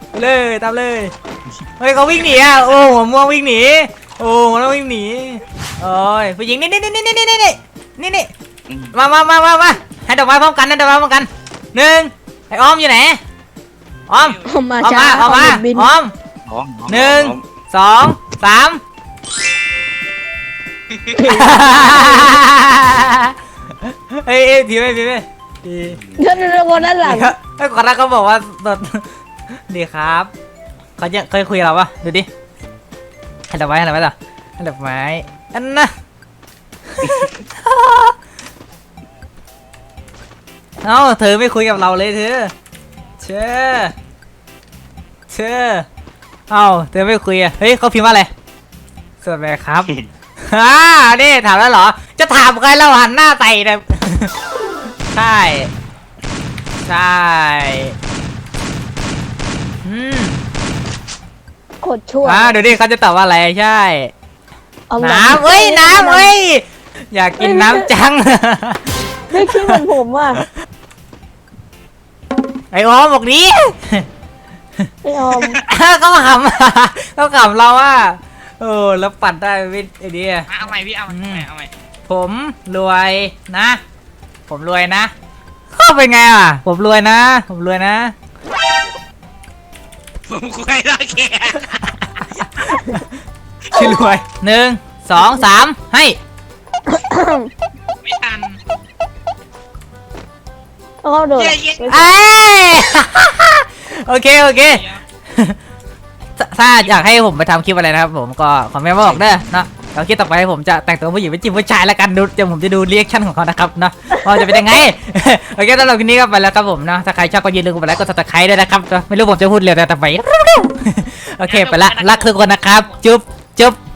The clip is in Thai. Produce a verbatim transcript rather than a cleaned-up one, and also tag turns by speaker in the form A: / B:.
A: ไปเลยตามเลยเฮ้ยเขาวิ่งหนีอ่ะโอ้หัวม่วงวิ่งหนีโอ้หัวม่วงวิ่งหนีโอ้ยผู้หญิงนี่นี่นี่นี่นี่นี่นี่นี่นี่มามามามามาให้ดอกไม้พร้อมกันให้ดอกไม้พร้อมกันหนึ่งไอ้ออมอยู่ไหนออม
B: ออกมา
A: ออม
B: ช้า
A: มาออมมา
B: บิน
A: ออม
C: น้องน้อง
A: หนึ่ง
C: น้อ
A: สองสามเฮ้ยเอ้ยทีไปทีไปที
B: เดินเดินวนด้านหลัง
A: ไอ้ยก่อนหน้าเขาบอกว่าสดดีครับเขาจะเคยคุยกับเราปะดูดิให้ดอกไม้ให้ดอกไม้ต่อให้ดอกไม้อันน่ะ เอ้าเธอไม่คุยกับเราเลยเธอเชื่อเชื่อเอ้าเธอไม่คุยอ่ะเฮ้ยเขาพิมพ์ว่าอะไรสวัสดีครับ ฮ่านี่ถามแล้วเหรอจะถามใครเราหันหน้าใส่เนี่ย ใช่ใช่อืม
B: โคตรชั่ว
A: อ่าเดี๋ยวดิเขาจะตอบว่าอะไรใช่
B: เอาหลัง
A: น้ำเอ้ยน้ำเอ้ยอยากกินน้ำจัง
B: ไม่คิดเหมือนผมอ่ะ
A: ไอโอมบอกนี้
B: ไอออม
A: เขาขำ เขาขำเราว่าโอ้แล้วปัดได้วิไอเดีย
D: เอาใหม่พี่เอาใหม่เอาใหม่
A: ผมรวยนะ ผมรวยนะเขาเป็นไงอ่ะ ผมรวยนะ ผมรวยนะ
D: ผมคุยได้แค่
A: ชื่อรวยหนึ่งสองสามให้
D: ไม่ทัน
B: แล้วก็โดด
D: เย้เย้
A: เอ้ย โอเคโอเคถ้าถ้าอยากให้ผมไปทำคลิปอะไรนะครับผมก็คอมเมนต์มาบอกเด้อเนาะแล้วคลิปต่อไปผมจะแต่งตัวผู้หญิงเป็นจิ๋มผู้ชายแล้วกันดูเดี๋ยวผมจะดูรีแอคชั่นของเขานะครับเนาะว่าจะเป็นยังไง โอเคสำหรับคลิปนี้ก็ไปแล้วครับผมเนาะถ้าใครชอบก็อย่าลืมกดไลค์กดซับสไครต์ด้วยนะครับไม่รู้ผมจะพูดเร็วแต่แต่ไป โอเคไปละรักทุกคนนะครับจุ๊บจุ๊บ